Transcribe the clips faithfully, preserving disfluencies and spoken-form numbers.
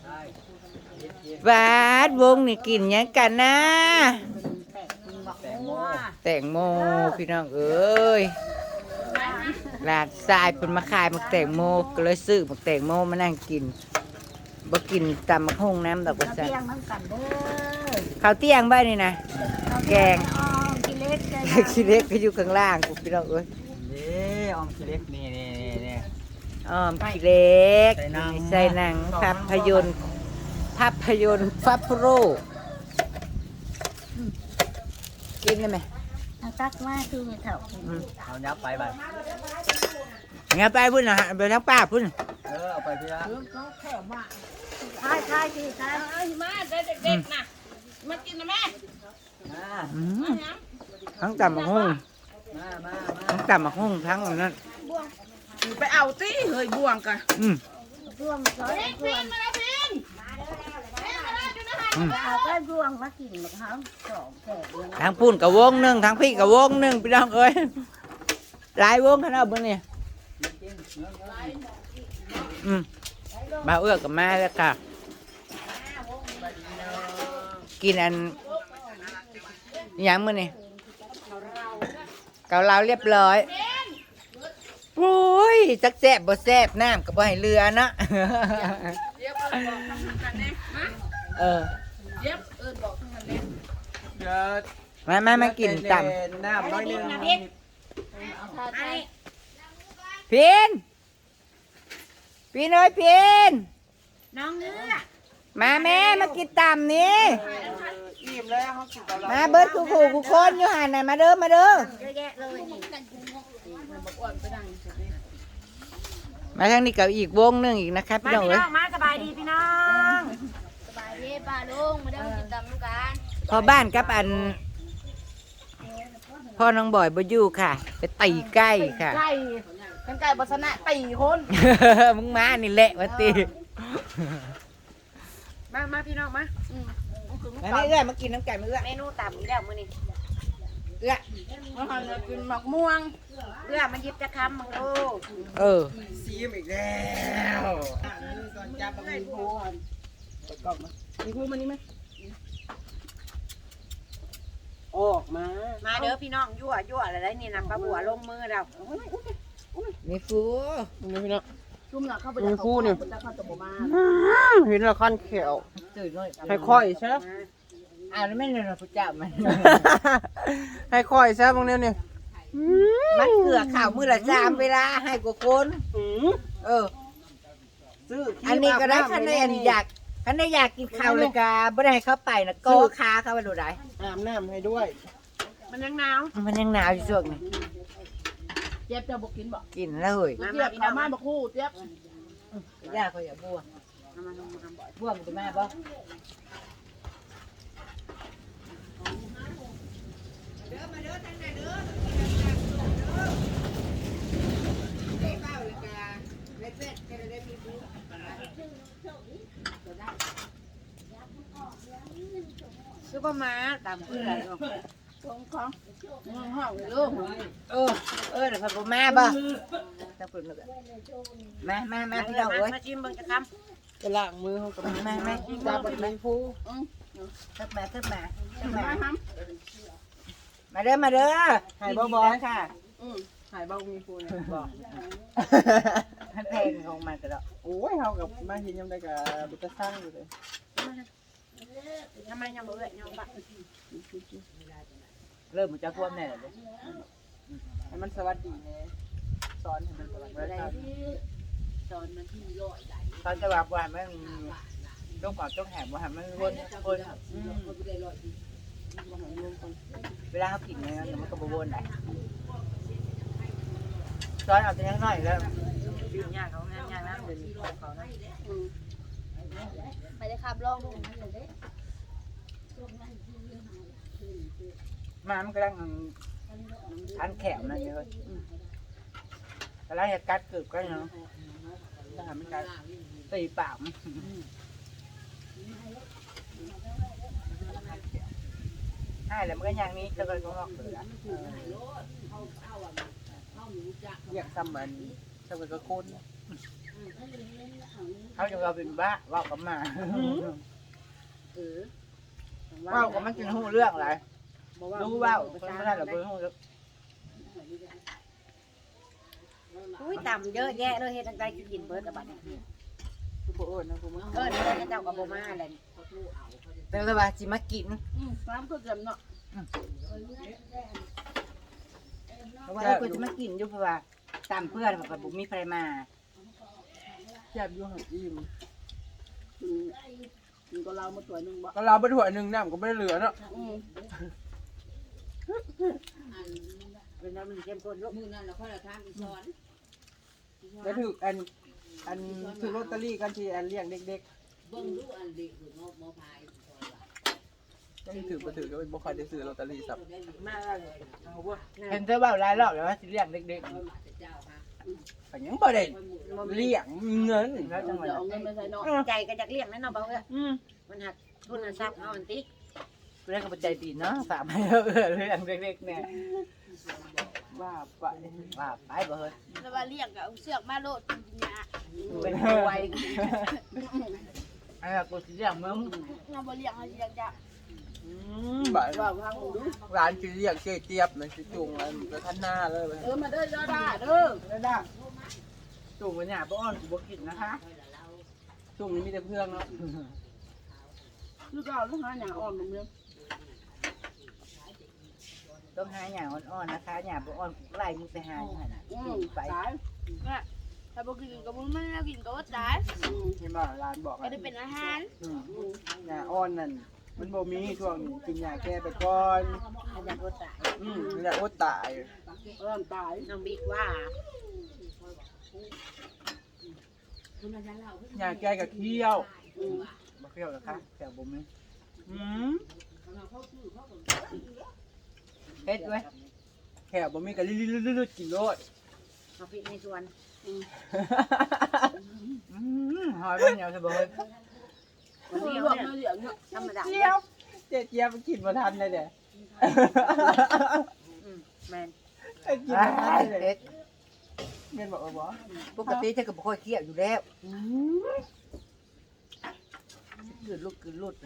บาดวงนี่กินยังกันนะแตงโมพี่น้องเอ้ยหลานทรายเป็นมาขายมักแตงโมก็เลยซื้อมักแตงโมมานั่งกินบ่กินตำมักหุ่งน้ำดอกว่าซั่นข้าวเตี้ยงบ้านนี่นะแกงขี้เล็กขี้เล็กก็อยู่ข้างล่างพี่น้องเอ้ยนี่ออมขี้เล็กนี่นี่นี่อ้อมขี้เล็กใส่หนังภาพยนตร์ภาพยนตร์ฟับโรกินได้ไหมตักมาคือเถาเอายับไปไปงั้นไปพุ่นนะไปทั้งป้าพุ่นเออเอาไปพี่ละใช่ใช่ที่ใช่มาเด็กๆนะมากินนะแม่ทั้งตำมักหุ่งทั้งตำมักหุ่งทั้งนั้นไปเอาสิเฮ้ยบ่วงกันบ่วงสอยบ่วงมาแล้วพินเอาก็บ่วงมากินหมดทั้งสองแถวทั้งพุ่นกับวงหนึ่งทั้งพี่กับวงหนึ่งพี่น้องเอ้ยหลายวงขนาดบนนี่อืมมาเอื้อกับแม่แล้วค่ะกินอันยังมื้อนี่เกาเหลาเรียบร้อยโอ้ยจักแซ่บบ่แซ่บน้ำก็บ่ให้เรือนะเออมามามากินต่ำน้ำน้อยนึงพีนพีนเอ้ยพีนน้องเนื้อมาแม่มากินต่ำนี่มาเบิร์ดคู่คู่คู่คนอยู่หันน่ะมาเด้อมาเด้อมาทางนี้กับอีกวงหนึ่งอีกนะครับพี่น้องเอ้ยมาสบายดีพี่น้องสบายดีป้าลุงมาเด้อกินตำลูกกันพอบ้านกับอันพ่อน้องบ่อยบ่อยู่ค่ะไปตีใกล้ค่ะไก่เป็นไก่บัสนะตีคนมึงมานี่แหละวะตีมามาพี่น้องมามาไม่เอื้อมากินน้ำไก่มาเอื้อเมนูต่ำแล้วมื้อนี้เอื้อมาหันกินหมักม่วงเอื้อมันยิบจะคำมึงโอ้เออซีมอีกแล้วก่อนจับมีผู้กล้องมามีผู้มานี่ไหมออกมามาเด้อพี่น้องยั่วยั่วอะไรนี่นะปลาบัวลงมือเรามีฟูนี่พี่น้องชุ่มหนักเข้าไปมีฟูเนี่ยเห็นละคันเขียวให้ค่อยใช่อ่านไม่เลยนะพระเจ้ามันให้ค่อยใช่บางเนี้ยเนี่ยมันเกลือข่าวมือละสามเวลาให้กว่าคนเออซื้ออันนี้ก็ได้คันในอันอยากคันในอยากกินข้าวเลยกาไม่ได้เข้าไปนะก็ค้าเข้าไปดูได้อาบน้ำให้ด้วยมันยังหนาวมันยังหนาวอยู่ช่วงนี้เจี๊ยบจะบอกกินบอกกินแล้วเฮ้ยเจี๊ยบเขามาบอกคู่เจี๊ยบย่าเขาอย่าบัวบัวมันจะมาบ่ซุปเปอร์มาร์ตามเพื่อนของของห้องห้องลูกเออเออเดี๋ยวพอมาบ่ต้องเปิดมือมามามาพี่น้องเอ้ยมาชิมเบิ่งจะคำจะล้างมือเขากับมามาจับมีผู้ขึ้นมาขึ้นมาขึ้นมามาเด้อมาเด้อหายบ่บ่ค่ะหายบ่มีผู้เนี่ยบอกให้เพลงของมันก็ได้โอ้ยเขากับมาเห็นยังได้กับบุตรสร้างอยู่เลยทำไมยังบ่เอ่ยยังบะเริ่มมันจะท่วมแน่เลยให้มันสวัสดีเนี่ยสอนให้มันสวัสดีสอนมันที่ลอยได้ตอนจะแบบว่ามันต้องกอดต้องแหบว่ามันวนวนเวลาเขากินเนี่ยมันก็บวนได้ตอนเอาแต่ยังน้อยแล้วยากเขางานยากนะเดี๋ยวนี้เขานะไปเลยครับลองดูมามันกำลังทันแขมนะเยอะกำลังจะกัดกึบกันเนาะถ้ามันกัดตีปากใช่แล้วมันก็อย่างนี้จะเลยต้องลอกเสืออยากทำมันทำมันก็คุ้นเขาจะเราเป็นบ้าว่ากับมาเออว่ากับมันกินหูเรื่องอะไรรู้ว่าคนไม่ได้หรอกเบอร์หูอุ้ยต่ำเยอะแยะเลยเฮ็ดจังได๋กินเบิดอะบัดนี้คือโบเอิญนะคุณมึงเอิ้นเพิ่นเจ้าก็บ่มาแหละแต่ละว่าจิมากินอืมน้ำก็เต็มเนาะเพราะว่าเออกูจะมากินอยู่เพราะว่าตามเพื่อนเขากับบุมีใครมาแซ่บอยู่หักอิ่มอืมกินก็เรามาตัวหนึงบ่ก็เราไปถั่วหนึ่งน้ำก็ไม่ได้เหลือเนาะอืมเป็นน้ำมันเข้มข้นลูกแล้วถืออันอันถือลอตเตอรี่กันที่อันเลี้ยงเด็กๆยังถือมาถือก็เป็นบุคคลได้ซื้อลอตเตอรี่สับมาแล้วเอาบ่เห็นเธอว่าหลายรอบแล้วว่าสิเลี้ยงเด็กแต่ยังบ่ได้เลี้ยงเงินๆแล้วจังหวะเดี๋ยวนั้เอานเงินไปใส่เนาะใจก็จักเลี้ยงแม่เนาะบ่เอ้ยอืมมันหักทุนทรัพย์เฮาอันติกูได้กับปัจจัยตีเนาะฝากให้เออเลี้ยงเด็กๆเนี่ยว่าไปว่าไปบ่เฮ้ยแล้วว่าเลี้ยงกับเอาเสือกมาโลดกินยาเป็นป่วยไอ้กูสิเลี้ยงมึงเราบ่เลี้ยงเขาเลี้ยงยาอืมบ่ายว่าพังดูร้านสิเลี้ยงเจ๊เจี๊ยบมันสิจุงอันกระทันหน้าเลยเออมาเด้อเด้อด้าเด้อได้ได้จูงกันเนี่ยบ่อ้อนกูบ่กินนะคะจุงนี้มีแต่เพื่อนเนาะลูกเอาลูกหาหยังอ่อนบ่เมืองต้องหาหยาอ่อนๆนะคะหยาบ่อ่อนกูไล่มึงไปหาอยู่หั่นน่ะอืมไปตายน่ะถ้าบ่กินกับมึงมันแล้วกินก็ว่าตายอืมเห็นบ่ร้านบอกก็อ่ะได้เป็นอาหารอืมยาอ่อนนั่นมันบ่มีช่วงนี้กินยาแก้ไปก่อนอาจารย์ก็ตายอืมยาอดตายเอิ้นตายน้องบิ๊กว่ายาแก้กับเคี้ยวอืมบ่เคี่ยวหรอกคะแต่บ่มีอืมเฮ็ดไว้แค่บ่มีก็ลิๆๆๆกินโลดเอาพริกในสวนอืมหอยบ่เหนียวซะบ่เฮ้ยคนเลี้เดียยวงเนี่ยเลี้ยงเนาะธรรมดาเจี๊ยบเจ๊เจี๊ยบกินบ่ทันเลยเด้อืมแม่นไอ้กินบ่ทันเลยเฮ็ดแม่นบอกเออบ่ปกติเธอก็บ่ค่อยเคี่ยวอยู่แล้วกลืนลูกกลืนลุด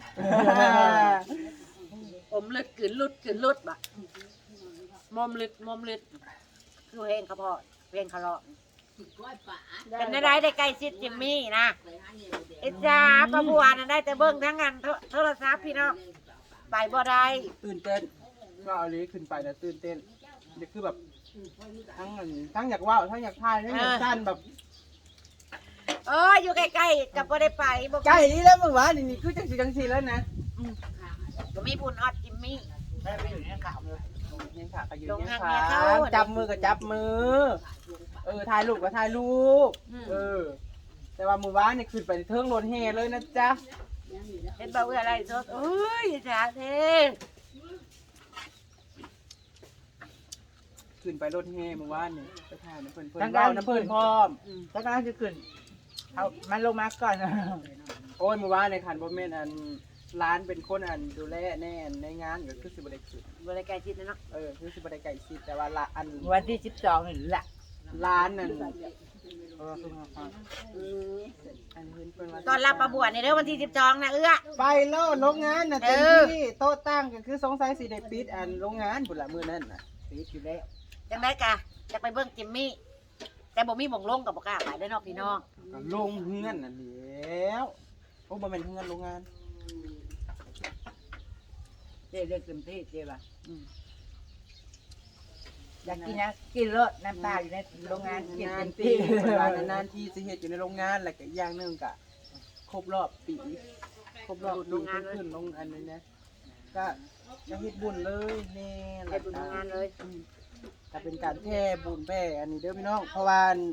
อมลึกกลืนลุดกลืนลุดบ่ะมอมลึดมอมลึดคือเพลงเขาพอเพลงเขาเลาะเป็นได้ได้ใกล้ชิดจิมมี่นะไอ้จ้าประบัวน่ะได้แต่เบิ่งทั้งงานโทรศัพท์พี่น้องไปบ่ได้ตื่นเต้นก็เอาลีขึ้นไปแล้วตื่นเต้นนี่คือแบบทั้งอันทั้งอยากว่าวทั้งอยากทายทั้งอยากสั้นแบบเอออยู่ใกล้ๆกับบ่ได้ไปบ่ใกล้นี้แล้วมึงวะนี่นี่คือจังสิจังสิแล้วนะก็มีบุญฮอดจิมมี่ได้ไปอยู่ในข่าวเลยยังขาก็ยืนลงยังทางขาเมียเข้าจับมือก็จับมือ เออถ่ายรูปก็ถ่ายรูปเออ แต่ว่ามือวานนี่ขึ้นไปเทิงรถแห่เลยนะจ๊ะเห็นบ่เอื้ออะไรสดเอ้ยจ้าเท่ขึ้นไปรถแห่มือวานนี่ไปถ่ายน้ำเพิ่นเพิ่นเว้าน้ำเพิ่นพร้อมแล้วก็น่าจะขึ้นเอามันลงมาก่อนโอ้ยมือวานในขันบ่แม่นอันร้านเป็นคนอันดูแลแน่นในงานก็คือสิบ่ได้ขึ้นบ่ได้ใกล้ชิดนะเนาะเออคือสิบ่ได้ไก่ชิดแต่ว่าละอันวันที่สิบสองนี่แหละร้านนั่นเออคือมาฟังอันเพิ่นเพิ่นว่าตอนรับประบวชในเด้อวันที่สิบสองนะเอื้อไปแล้วโรงงานน่ะเต็มเออที่โต๊ะตั้งก็คือสงสัยสิได้ปิดอันโรงงานพุ่นละมื้อนั้นน่ะปีอยู่แล้วจังได๋กะจะไปเบิ่งจิมมี่ แต่บ่มีหม่องลงก็บ่กล้าไปเด้อเนาะพี่น้องก็ลงเฮือนนั่นแหล้วโอ้บ่แม่นเฮือนโรงงานเจ๊เลือกเต็มที่เจ๊ป่ะอืมอยากกินนะกินรสน้ำตาอยู่ในโรงงานกินนาเต็นมที่ที่เวลานานๆที่สิเฮ็ดอยู่ในโรงงานแล้วก็อีกอย่างหนึงก็ครบรอบปีครบรอบปีขึ้นขึ้นลงอันนี้นะก็จะเฮ็ดบุญเลยแน่ไปบุญทำงานเลยอืมก็เป็นการแท่บุญแพ่อันนี้เด้อพี่น้องเพราะว่า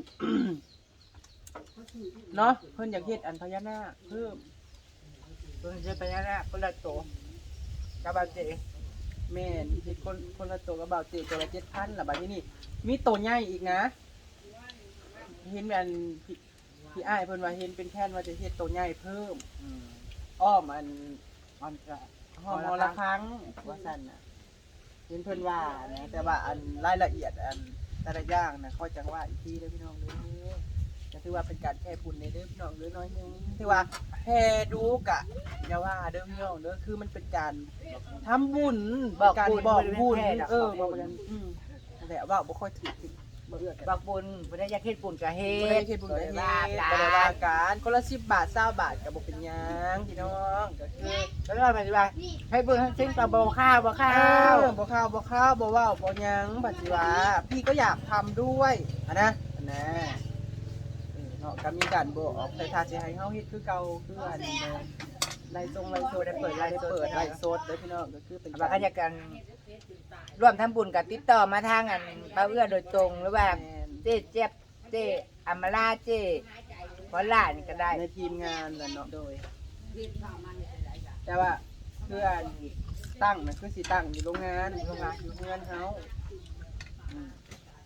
เนาะเพิ่นอยากเฮ็ดอันพญานาคเพิ่มเพิ่งจะไปแล้วนะคนละโตกับบาเจแม่นเฮ็ดคนคนละตัวกับบ่าวเจตัวละเจ็ดพันล่ะบัดนี้นี่มีตัวใหญ่อีกนะ เห็นอันพี่พี่อ้ายเพิ่นว่าเห็นเป็นแค่นว่าจะเฮ็ดตัวใหญ่เพิ่มอืมอ้อมอันมันจะห้องละครั้งว่าซั่นน่ะเห็นเพิ่นว่านะแต่ว่าอันรายละเอียดอันแต่ละอย่างน่ะเขาจังว่าอีกทีเด้อพี่น้องเด้อจะถือว่าเป็นการแค่บุญในเด้อพี่น้องเด้อน้อยหนึงถือว่าแห่ดูกะอย่าว่าเด้อพี่น้องเด้อคือมันเป็นการทำบุญการบอกบุญเออบอกกันอืมนั่นแหละว่าบ่ค่อยถือติบ่เอื้อกันบักบุญบ่ได้อยากเฮ็ดบุญก็เฮ็บ่ได้ดเฮ็ดบุญก็เฮ็ดว่าบ่ได้ว่ากันคนละสิบบาทเก้าบาทก็บ่เป็นหยังพี่น้องก็คือแล้วก็หมายถึงว่าให้เบิ่งให้สิ่งต่อบ่ข้าวบ่ข้าข้าว วบ่ข้าวบ่ข้าวบ่เว้าบ่หยังบัดสิว่าพี่ก็อยากทำด้วยอะนะอะนะเออเนาะก็มีการบอกออกแต่ถ้าสิให้เฮาเฮ็ดคือเก่าคืออันเดิมไล่ทรงไล่โซได้เปิดไล่เปิดไล่โซดเด้อพี่น้องก็คือเป็นว่าก็อยากกันร่วมทำบุญก็ติดต่อมาทางอันป้าเอื้อโดยตรงหรือว่าเจ๊เจี๊ยบเจ๊อำมาลาเจ๊พอล่านี่ก็ได้ในทีมงานนั่นเนาะโดย แต่ว่าคืออันตั้งน่ะคือสิตั้งอยู่โรงงานโรงงานอยู่เฮือนเฮาอืม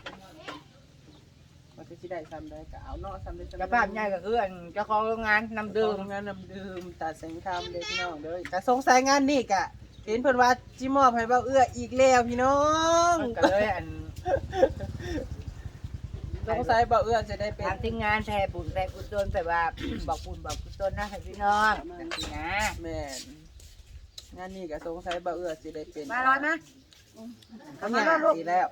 มันก็สิได้ซ้ำได้ก็เอาเนาะซ้ำได้ซ้ำเจ้าภาพใหญ่ก็คืออันเจ้าของโรงงานนำดื่ดื่มมงานนำดื่มตัดแสงคำเด้อพี่น้องเด้อก็สงสัยงานนี่กะเห็นเพิ่นว่าจิมอบให้เบ้าเอื้ออีกแล้วพี่น้องก็เลยอันสงสัยเบ้าเอื้อจะได้เป็นทางทีมงานแทนบุญแทนกุศลแต่ว่าบอกบุญบอกกุศลนะให้พี่น้องจังซี่นะแม่นงานนี้ก็สงสัยเบ้าเอื้อสิได้เป็นมาร้อยนะเขาหยาอีกแล้ว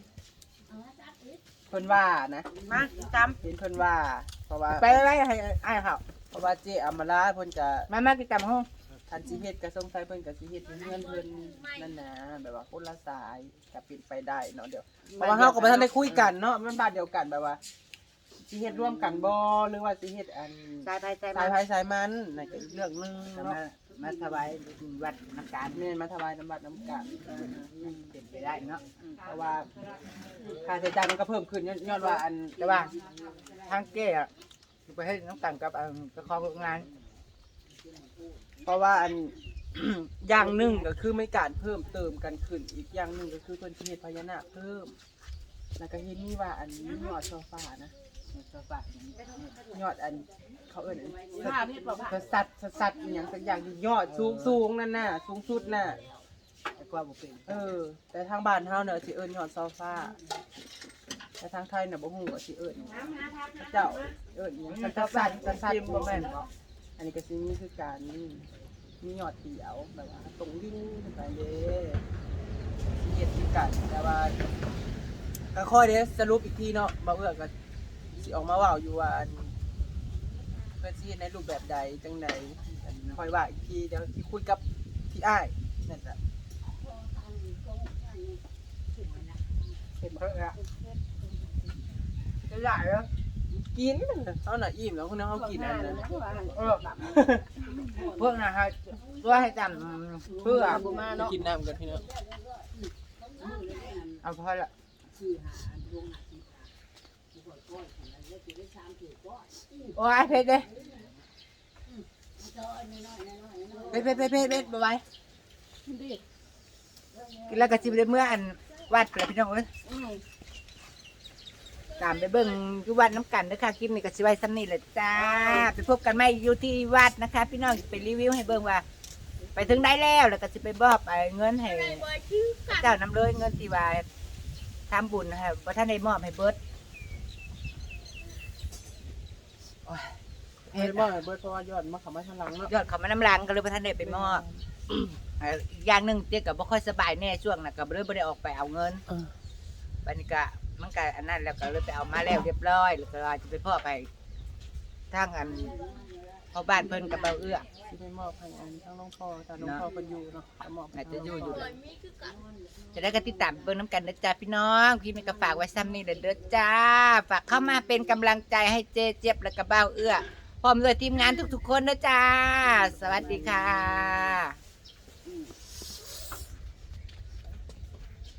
เพิ่นว่านะมาจเห็นเพิ่นว่าเพราะว่าไปไว้ให้อ้ายเขาเพราะว่าเจ๊อมราเพิ่นจะมามากิจกรรมห้องทันสิเฮ็ดก็สงสัยเพิ่นก็สิเฮ็ดเพื่อนเพิ่นนั่นนะแบบว่าคนละสายก็เป็นไปได้เนาะเดี๋ยวเพราะว่าเฮาก็บ่ทันได้คุยกันเนาะมันบ้านเดียวกันแบบว่าสิเฮ็ดร่วมกันบ่หรือว่าสิเฮ็ดอันำสายไปสายสายมาไผสายมันนั่นก็อีกเรื่องหนึงมาเนาะมาถวายวัดน้ำการแม่นมาถวายน้ำบัดน้ำกันเป็นไปได้เนาะเพราะว่าค่าใช้จ่ายมันก็เพิ่มขึ้นย้อนว่าอันแต่ว่าทางเก้อะไปให้น้ำกันกับอันเจ้าของโรงงานเพราะว่าอัน อย่างหนึงก็คือไม่การเพิ่มเติมกันขึ้นอีกอย่างหนึงก็คือเพิ่นสิเฮ็ดพญานาคเพิ่มแล้วก็เห็นมีว่าอันนี้ยอดโซฟานะโซฟาอย่างนี้ยอดอันเขาเอิ้นอันสัตว์สัตว์อหย่างสักอย่างที่ยอดสูงสูงนั่นน่ะสูงสุดน่ะแต่กว่าบ่เป็นเออ แต่ทางบ้านเฮาเนี่ยสิเอิ้นยอดโซฟาแต่ทางไทยน่ะบ่ฮู้ว่าสิเอิ้นเจ้าเอิ้นหยังสัตว์สัตว์สัตว์สัตว์บ่แม่นบ่อันนี้ก็สิมีคือการนี่มียอดเดียวแบบว่าตรงลิ้นขึ้นไปเด้สิเฮ็ดคือกันแต่ว่าก็ค่อยเด้สรุปอีกทีเนาะบ่เอื้อก็สิออกมาเว้าอยู่ว่าอัน เพื่อนสิเฮ็ดในรูปแบบใดจังใดคอยว่าอีกทีเดี๋ยวที่คุยกับพี่อ้ายนั่นแหละเห็นเพิ่งอะจะใหญ่เหรอกินเขาหน่ะอิ่มแล้วคุณน้องเขากินอันนั้นเออเพิ่งนะฮะตัวให้จำเพื่อกินน้ำกันพี่น้องเอาพอละโอ้ยเพชรเลยเพชรเพชรเพชรเพชรเพชรบ๊ายบายกินแล้วก็จิบเลยเมื่ออันวัดเลยพี่น้องเอ้ยตามไปเบิ่งที่วัดน้ำกันนะคะคลิปนี้ก็สิไว้ซ้ำนี่แหละจ้าไปพบกันใหม่อยู่ที่วัดนะคะ พี่น้องไปรีวิวให้เบิ่งว่า ไปถึงได้แล้วแล้วก็สิไปมอบไอ้เงินให้เจ้านำเลยเงินที่ว่าทำบุญนะคะเพราะท่านได้มอบให้เบิร์ดเฮ็ดบ่เบิดเพราะว่ายอดมาเข้ามาทางหลังเนาะยอดเขามาน้ำลังก็เลยพระท่านได้ไปมอบเอ่ออีกอย่างหนึ่งเจ๊กับบ่ค่อยสบายแน่ช่วงน่ะก็เลยบ่ได้ออกไปเอาเงินเออบัดนี้ก็มันก็อันนั้นแล้วก็เลยไปเอามาแล้วเรียบร้อยแล้วก็จะไปพ่อไปทางอันพ่อบ้านเพิ่นกับเบาเอื้อสิได้มอบให้อันทั้งน้องพ่อถ้าน้องพ่อเพิ่นอยู่เนาะจะมอบให้น่าจะอยู่อยู่จะได้ก็ติดตามเบิ่งน้ำกันนะจ๊ะพี่น้องพี่มีก็ฝากไว้ซ้ำนี่เด้อเด้อจ้าฝากเข้ามาเป็นกำลังใจให้เจ๊เจี๊ยบและก็เบาเอื้อพร้อมด้วยทีมงานทุกๆคนนะจ้าสวัสดีค่ะ